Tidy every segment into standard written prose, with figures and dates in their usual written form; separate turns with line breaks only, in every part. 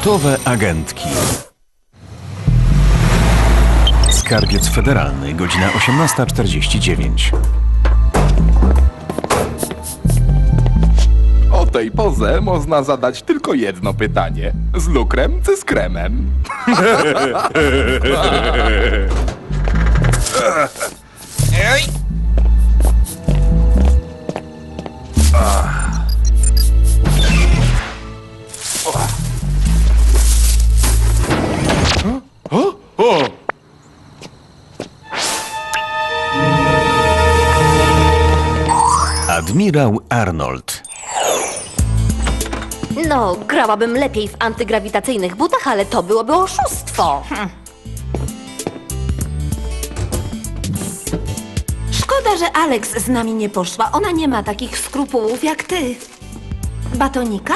Gotowe agentki. Skarbiec Federalny, godzina 18:49.
O tej porze można zadać tylko jedno pytanie. Z lukrem czy z kremem? Ej!
Admirał Arnold.
No, grałabym lepiej w antygrawitacyjnych butach, ale to byłoby oszustwo.
Szkoda, że Alex z nami nie poszła. Ona nie ma takich skrupułów jak ty. Batonika?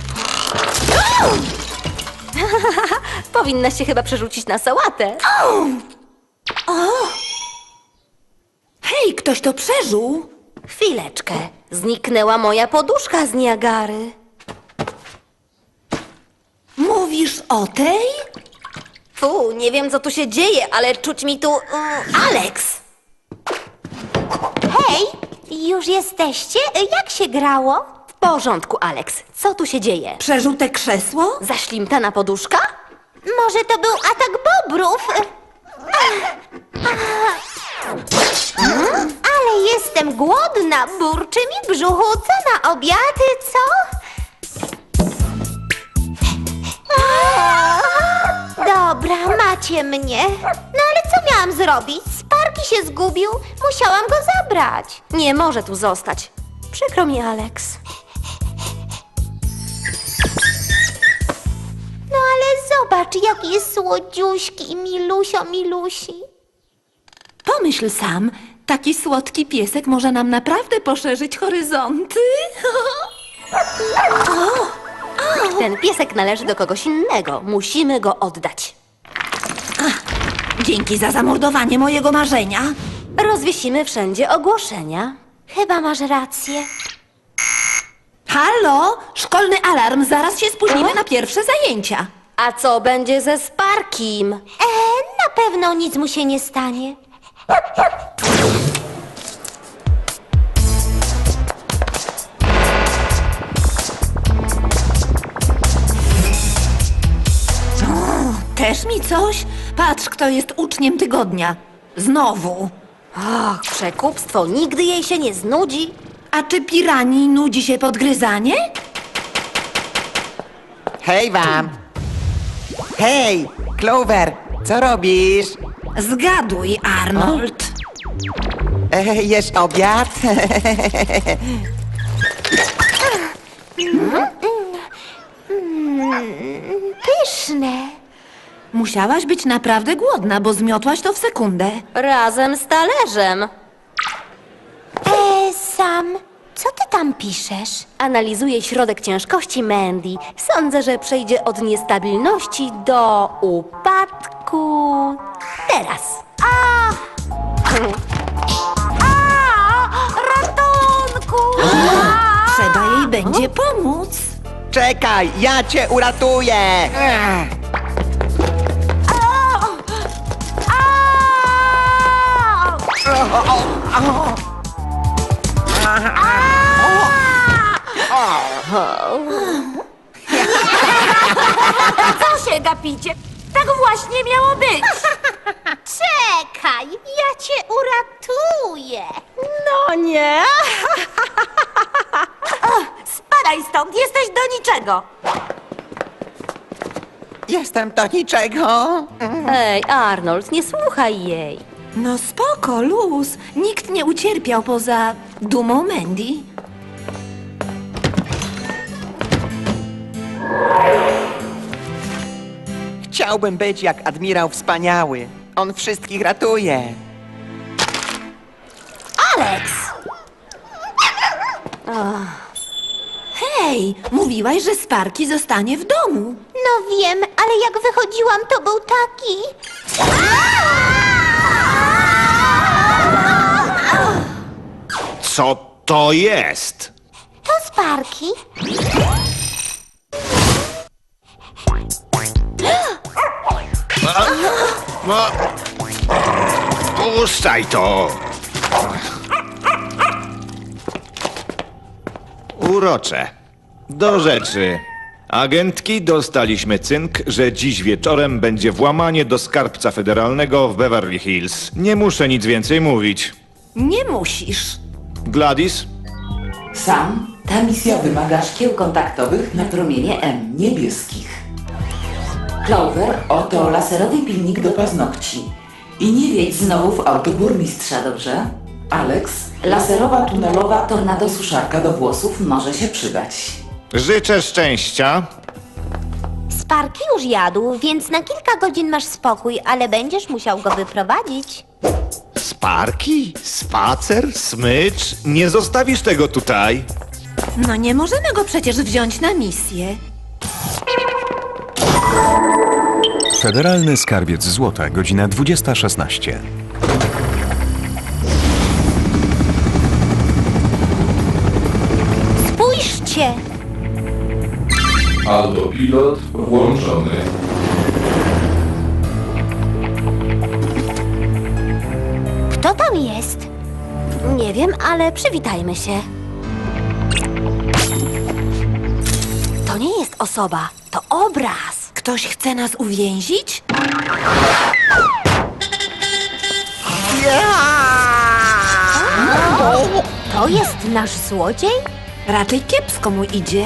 Powinnaś się chyba przerzucić na sałatę.
Hej, ktoś to przeżył?
Chwileczkę. Zniknęła moja poduszka z Niagary.
Mówisz o tej?
Fu, nie wiem co tu się dzieje, ale czuć mi tu...
Alex!
Hej, już jesteście? Jak się grało?
W porządku, Alex. Co tu się dzieje?
Przeżył te krzesło?
Zaślimtana poduszka?
Może to był atak bobrów? Ale jestem głodna, burczy mi brzuchu. Co na obiady, co? Dobra, macie mnie. No ale co miałam zrobić? Sparki się zgubił, musiałam go zabrać.
Nie może tu zostać. Przykro mi, Alex.
No ale zobacz, jaki jest słodziuśki i milusio milusi.
Pomyśl sam, taki słodki piesek może nam naprawdę poszerzyć horyzonty.
Ten piesek należy do kogoś innego. Musimy go oddać.
Dzięki za zamordowanie mojego marzenia.
Rozwiesimy wszędzie ogłoszenia.
Chyba masz rację.
Halo? Szkolny alarm, zaraz się spóźnimy na pierwsze zajęcia.
A co będzie ze Sparkim?
Na pewno nic mu się nie stanie.
Też mi coś? Patrz, kto jest uczniem tygodnia. Znowu.
Och, przekupstwo. Nigdy jej się nie znudzi.
A czy piranii nudzi się podgryzanie?
Hej wam! Hej, Clover, co robisz?
Zgaduj, Arnold.
Jesz obiad?
Pyszne.
Musiałaś być naprawdę głodna, bo zmiotłaś to w sekundę.
Razem z talerzem.
Sam, co ty tam piszesz?
Analizuję środek ciężkości Mandy. Sądzę, że przejdzie od niestabilności do upadku. Teraz.
Ratunku!
Trzeba jej będzie pomóc.
Czekaj, ja cię uratuję!
Co się gapicie? Tak właśnie miało być. Czekaj, ja cię uratuję.
No nie.
Spadaj stąd, jesteś do niczego.
Jestem do niczego.
Ej, Arnold, nie słuchaj jej.
No spoko, luz. Nikt nie ucierpiał poza dumą Mandy.
Chciałbym być jak admirał wspaniały. On wszystkich ratuje.
Alex! Hej, mówiłaś, że Sparki zostanie w domu.
No wiem, ale jak wychodziłam, to był taki...
Co to jest?
To Sparki.
No, puszczaj to! Urocze. Do rzeczy. Agentki, dostaliśmy cynk, że dziś wieczorem będzie włamanie do skarbca federalnego w Beverly Hills. Nie muszę nic więcej mówić.
Nie musisz.
Gladys?
Sam, ta misja wymaga szkieł kontaktowych na promienie M niebieskich. Clover, oto laserowy pilnik do paznokci. I nie wiedź znowu w auto burmistrza, dobrze? Alex, laserowa tunelowa tornado suszarka do włosów może się przydać.
Życzę szczęścia.
Sparki już jadł, więc na kilka godzin masz spokój, ale będziesz musiał go wyprowadzić.
Sparki? Spacer? Smycz? Nie zostawisz tego tutaj.
No nie możemy go przecież wziąć na misję.
Federalny Skarbiec Złota, godzina 20:16.
Spójrzcie!
Autopilot włączony.
Kto tam jest?
Nie wiem, ale przywitajmy się. To nie jest osoba, to obraz.
Ktoś chce nas uwięzić?
To jest nasz złodziej?
Raczej kiepsko mu idzie.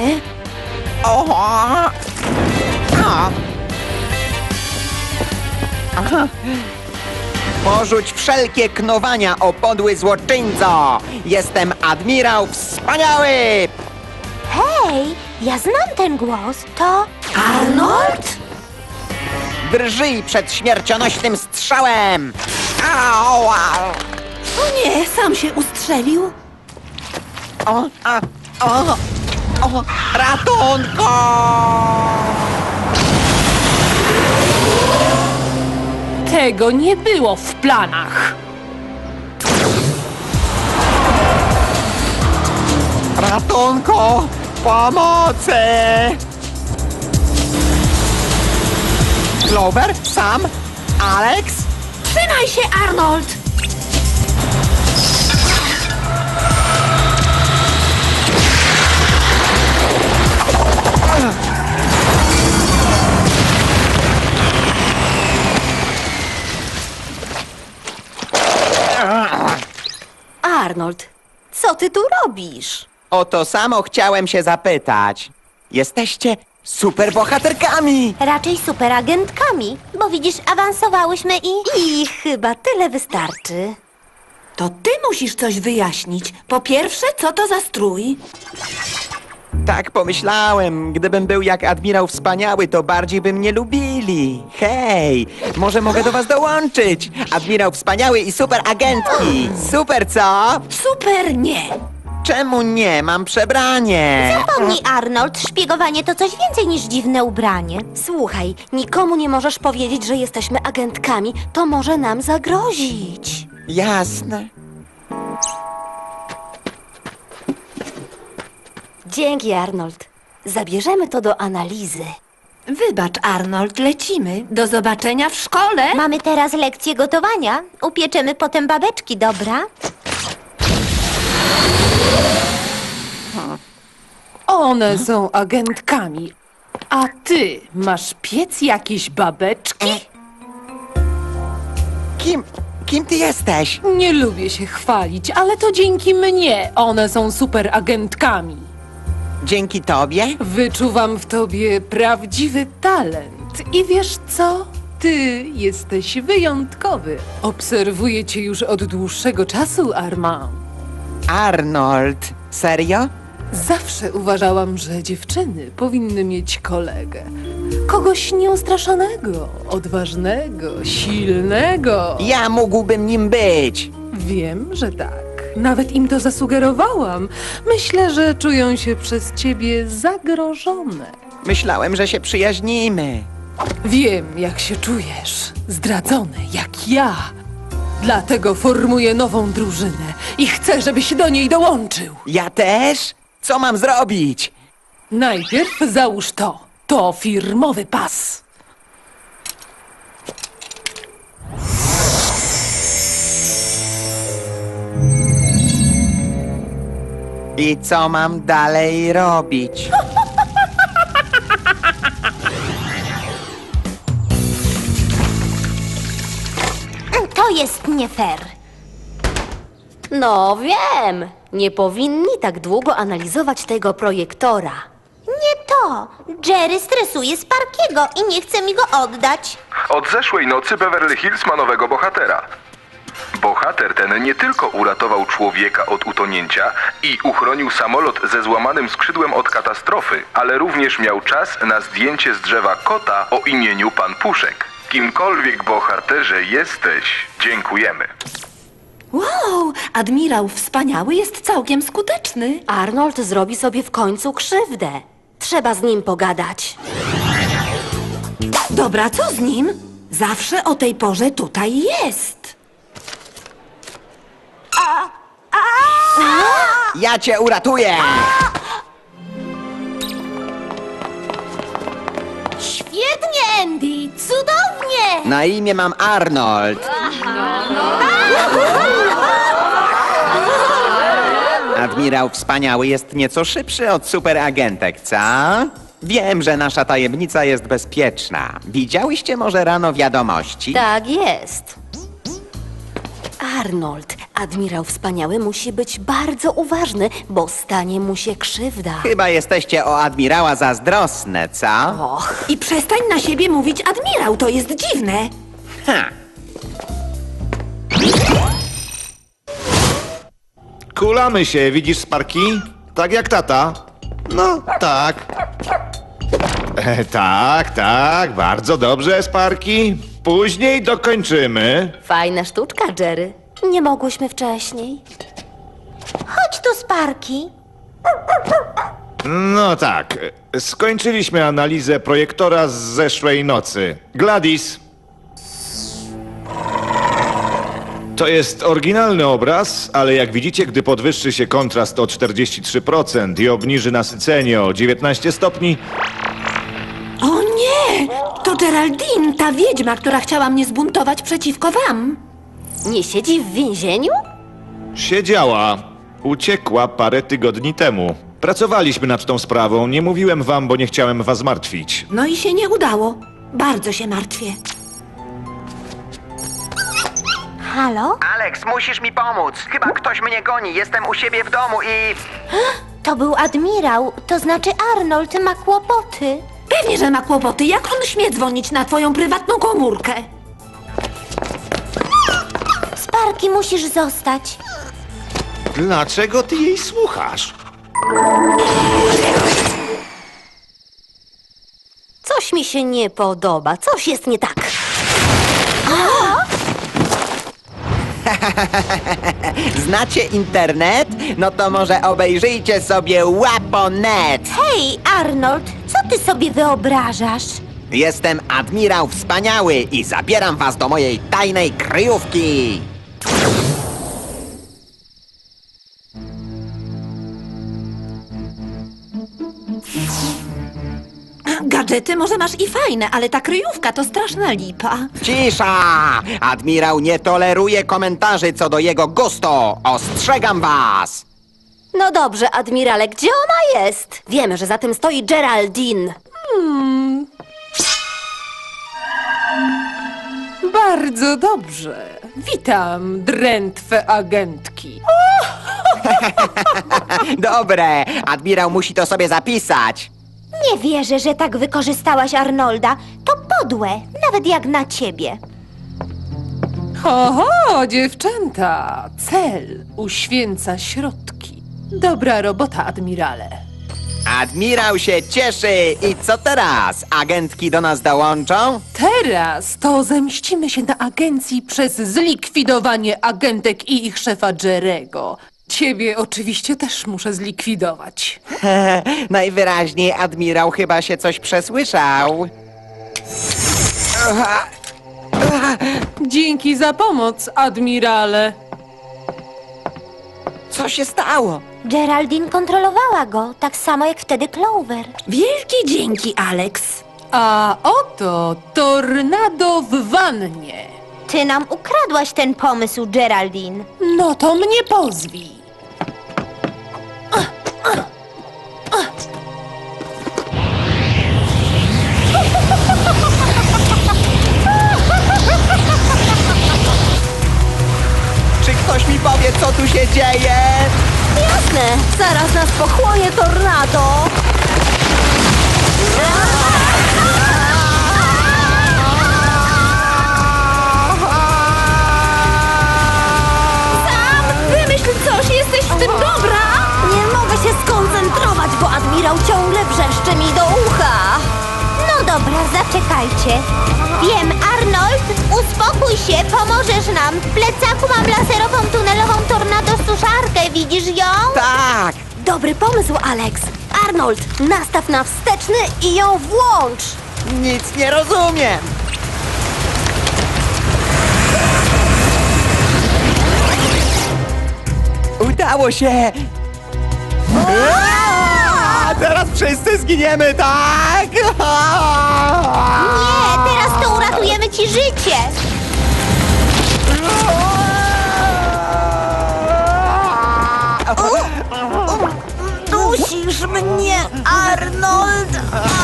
Porzuć wszelkie knowania, o podły złoczyńco! Jestem admirał wspaniały!
Hej, ja znam ten głos. To
Arnold?
Drżyj przed śmiercionośnym strzałem! Ała!
O nie, sam się ustrzelił.
O, ratunku!
Tego nie było w planach.
Ratunku! Pomocy! Clover? Sam? Alex?
Trzymaj się, Arnold!
Arnold, co ty tu robisz?
O to samo chciałem się zapytać. Jesteście superbohaterkami!
raczej superagentkami, bo widzisz, awansowałyśmy
I chyba tyle wystarczy.
To ty musisz coś wyjaśnić. Po pierwsze, co to za strój?
Tak pomyślałem. Gdybym był jak admirał wspaniały, to bardziej by mnie lubili. Hej, może mogę do was dołączyć? Admirał wspaniały i superagentki. Super, co?
Super nie!
Czemu nie? Mam przebranie.
Pomnij, Arnold, szpiegowanie to coś więcej niż dziwne ubranie.
Słuchaj, nikomu nie możesz powiedzieć, że jesteśmy agentkami. To może nam zagrozić.
Jasne.
Dzięki, Arnold. Zabierzemy to do analizy.
Wybacz, Arnold, lecimy. Do zobaczenia w szkole.
Mamy teraz lekcję gotowania. Upieczemy potem babeczki, dobra?
One są agentkami. A ty masz piec jakieś babeczki?
Kim ty jesteś?
Nie lubię się chwalić, ale to dzięki mnie. One są super agentkami.
Dzięki tobie?
Wyczuwam w tobie prawdziwy talent. I wiesz co? Ty jesteś wyjątkowy. Obserwuję cię już od dłuższego czasu, Armand.
Arnold. Serio?
Zawsze uważałam, że dziewczyny powinny mieć kolegę. Kogoś nieustraszonego, odważnego, silnego.
Ja mógłbym nim być.
Wiem, że tak. Nawet im to zasugerowałam. Myślę, że czują się przez ciebie zagrożone.
Myślałem, że się przyjaźnimy.
Wiem, jak się czujesz. Zdradzony, jak ja. Dlatego formuję nową drużynę i chcę, żebyś do niej dołączył.
Ja też? Co mam zrobić?
Najpierw załóż to. To firmowy pas.
I co mam dalej robić?
To jest nie fair.
No wiem, nie powinni tak długo analizować tego projektora.
Nie to. Jerry stresuje Sparkiego i nie chce mi go oddać.
Od zeszłej nocy Beverly Hills ma nowego bohatera. Bohater ten nie tylko uratował człowieka od utonięcia i uchronił samolot ze złamanym skrzydłem od katastrofy, ale również miał czas na zdjęcie z drzewa kota o imieniu Pan Puszek. Kimkolwiek bohaterze jesteś, dziękujemy.
Wow, admirał wspaniały jest całkiem skuteczny.
Arnold zrobi sobie w końcu krzywdę. Trzeba z nim pogadać.
Dobra, co z nim? Zawsze o tej porze tutaj jest.
Ja cię uratuję!
Świetnie, Andy! Cudownie!
Na imię mam Arnold. Admirał Wspaniały jest nieco szybszy od superagentek, co? Wiem, że nasza tajemnica jest bezpieczna. Widziałyście może rano wiadomości?
Tak jest. Arnold, admirał wspaniały musi być bardzo uważny, bo stanie mu się krzywda.
Chyba jesteście o admirała zazdrosne, co?
Och,
I przestań na siebie mówić admirał, to jest dziwne.
Ha.
Kulamy się, widzisz, Sparki? Tak jak tata. No, tak. Tak, bardzo dobrze, Sparki. Później dokończymy.
fajna sztuczka, Jerry. Nie mogłyśmy wcześniej.
Chodź tu, Sparki.
No tak, skończyliśmy analizę projektora z zeszłej nocy. Gladys. To jest oryginalny obraz, ale jak widzicie, gdy podwyższy się kontrast o 43% i obniży nasycenie o 19 stopni,
O nie! To Geraldine, ta wiedźma, która chciała mnie zbuntować przeciwko wam.
Nie siedzi w więzieniu?
siedziała. Uciekła parę tygodni temu. Pracowaliśmy nad tą sprawą, nie mówiłem wam, bo nie chciałem was martwić.
No i się nie udało. Bardzo się martwię.
Halo?
Alex, musisz mi pomóc. Chyba ktoś mnie goni. Jestem u siebie w domu i...
To był admirał, to znaczy Arnold ma kłopoty.
Pewnie, że ma kłopoty. Jak on śmie dzwonić na twoją prywatną komórkę?
Sparki, musisz zostać.
Dlaczego ty jej słuchasz?
Coś mi się nie podoba, coś jest nie tak.
Znacie internet? No to może obejrzyjcie sobie Łaponet.
Hej, Arnold, co ty sobie wyobrażasz?
Jestem admirał Wspaniały i zabieram was do mojej tajnej kryjówki.
Gadżety może masz i fajne, ale ta kryjówka to straszna lipa.
Cisza! Admirał nie toleruje komentarzy co do jego gustu. Ostrzegam was!
No dobrze, admirale, gdzie ona jest? Wiemy, że za tym stoi Geraldine.
Bardzo dobrze. Witam, drętwe agentki.
Dobre, admirał musi to sobie zapisać.
Nie wierzę, że tak wykorzystałaś Arnolda. To podłe, nawet jak na ciebie.
Ho, ho, dziewczęta! Cel uświęca środki. Dobra robota, admirale.
Admirał się cieszy. I co teraz? Agentki do nas dołączą?
Teraz to zemścimy się na agencji przez zlikwidowanie agentek i ich szefa Jerego. Ciebie oczywiście też muszę zlikwidować.
Najwyraźniej admirał chyba się coś przesłyszał.
Dzięki za pomoc, admirale.
Co się stało?
Geraldine kontrolowała go, tak samo jak wtedy Clover.
Wielkie dzięki, Alex.
A oto tornado w wannie.
Ty nam ukradłaś ten pomysł, Geraldine.
No to mnie pozwij.
się dzieje?
Jasne, zaraz nas pochłonie tornado.
Wymyśl coś, jesteś w tym dobra!
Nie mogę się skoncentrować, bo admirał ciągle wrzeszczy mi do ucha.
No dobra, zaczekajcie. Wiem, Arnold, uspokój się, pomożesz nam. W plecaku mam laserową tunelową tornado suszarkę, widzisz ją?
Tak!
Dobry pomysł, Alex. Arnold, nastaw na wsteczny i ją włącz.
Nic nie rozumiem! Udało się! Teraz wszyscy zginiemy, tak?
Nie, teraz to uratujemy ci życie.
Dusisz mnie, Arnold.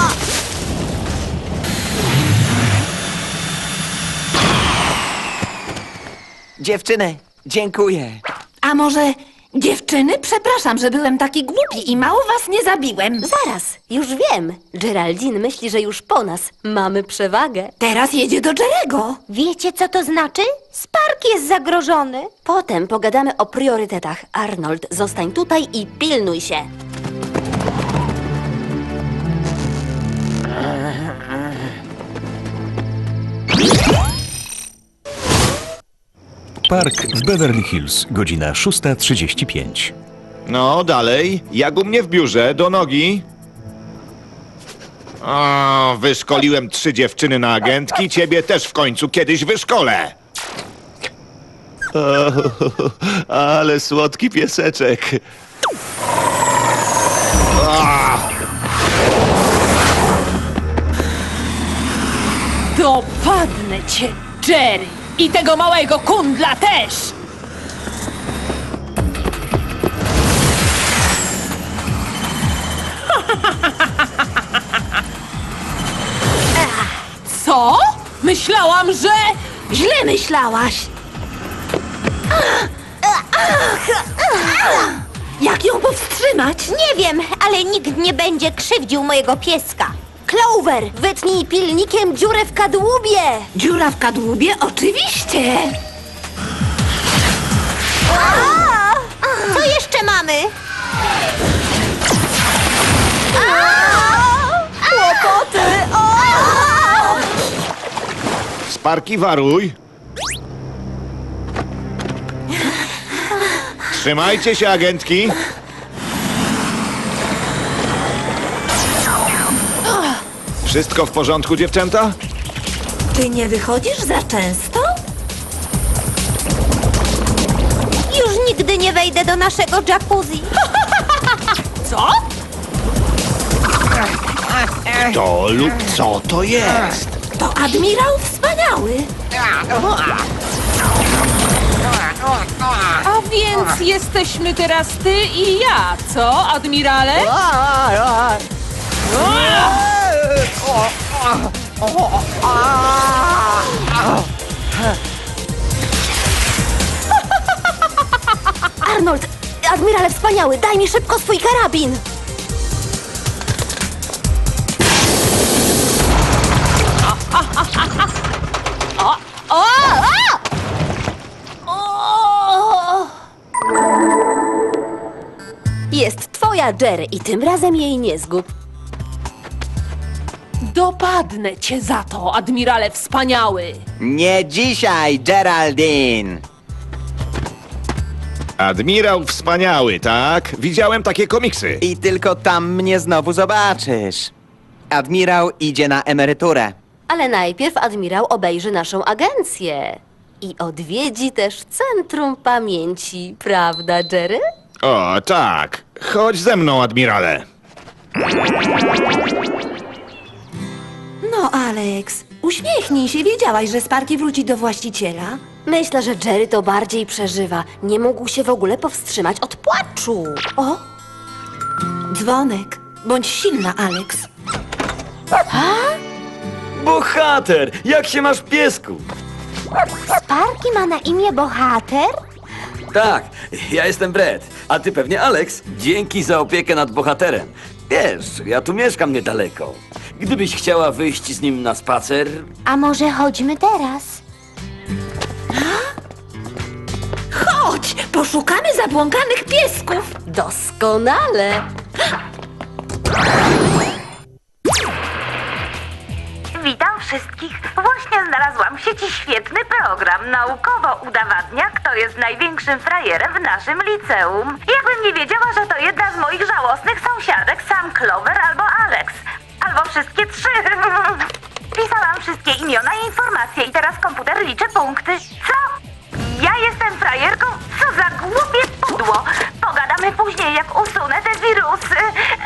Dziewczyny, dziękuję.
A może... Dziewczyny, przepraszam, że byłem taki głupi i mało was nie zabiłem.
Zaraz, już wiem. Geraldine myśli, że już po nas. Mamy przewagę.
Teraz jedzie do Jerego.
Wiecie, co to znaczy? Spark jest zagrożony.
Potem pogadamy o priorytetach. Arnold, zostań tutaj i pilnuj się.
Park w Beverly Hills, godzina 6:35.
No, dalej. Jak u mnie w biurze, do nogi. O, wyszkoliłem 3 dziewczyny na agentki, ciebie też w końcu kiedyś wyszkolę. Ale słodki pieseczek.
Dopadnę cię, Jerry! I tego małego kundla też! Co? Myślałam, że...
Źle myślałaś. Jak ją powstrzymać?
Nie wiem, ale nikt nie będzie krzywdził mojego pieska.
Clover, wytnij pilnikiem dziurę w kadłubie.
Dziura w kadłubie? Oczywiście.
Co jeszcze mamy?
Kłopoty!
Sparki waruj. Trzymajcie się, agentki. Wszystko w porządku, dziewczęta?
Ty nie wychodzisz za często?
Już nigdy nie wejdę do naszego jacuzzi.
Co?
To lub co to jest?
To admirał wspaniały.
A więc jesteśmy teraz ty i ja, co, admirale?
Arnold, admirale wspaniały, daj mi szybko swój karabin. Jest twoja, Jerry, i tym razem jej nie zgub.
Dopadnę cię za to, admirale wspaniały!
Nie dzisiaj, Geraldine!
Admirał wspaniały, tak? Widziałem takie komiksy.
I tylko tam mnie znowu zobaczysz. Admirał idzie na emeryturę.
Ale najpierw admirał obejrzy naszą agencję. I odwiedzi też Centrum Pamięci, prawda, Jerry?
O, tak. Chodź ze mną, admirale.
No, Alex, uśmiechnij się. Wiedziałaś, że Sparky wróci do właściciela?
Myślę, że Jerry to bardziej przeżywa. Nie mógł się w ogóle powstrzymać od płaczu.
O! Dzwonek. Bądź silna, Alex.
Bohater! Jak się masz, piesku?
Sparki ma na imię bohater?
Tak, ja jestem Brett, a ty pewnie Alex. Dzięki za opiekę nad bohaterem. Wiesz, ja tu mieszkam niedaleko. Gdybyś chciała wyjść z nim na spacer...
A może chodźmy teraz?
Chodź, poszukamy zabłąkanych piesków.
Doskonale!
Witam wszystkich. Właśnie znalazłam w sieci świetny program. Naukowo udowadnia, kto jest największym frajerem w naszym liceum. Jakbym nie wiedziała, że to jedna z moich żałosnych sąsiadek, Sam, Clover albo Alex. Albo wszystkie trzy. Pisałam wszystkie imiona i informacje i teraz komputer liczy punkty. Co? Ja jestem frajerką? Co za głupie pudło. Pogadamy później, jak usunę te wirusy.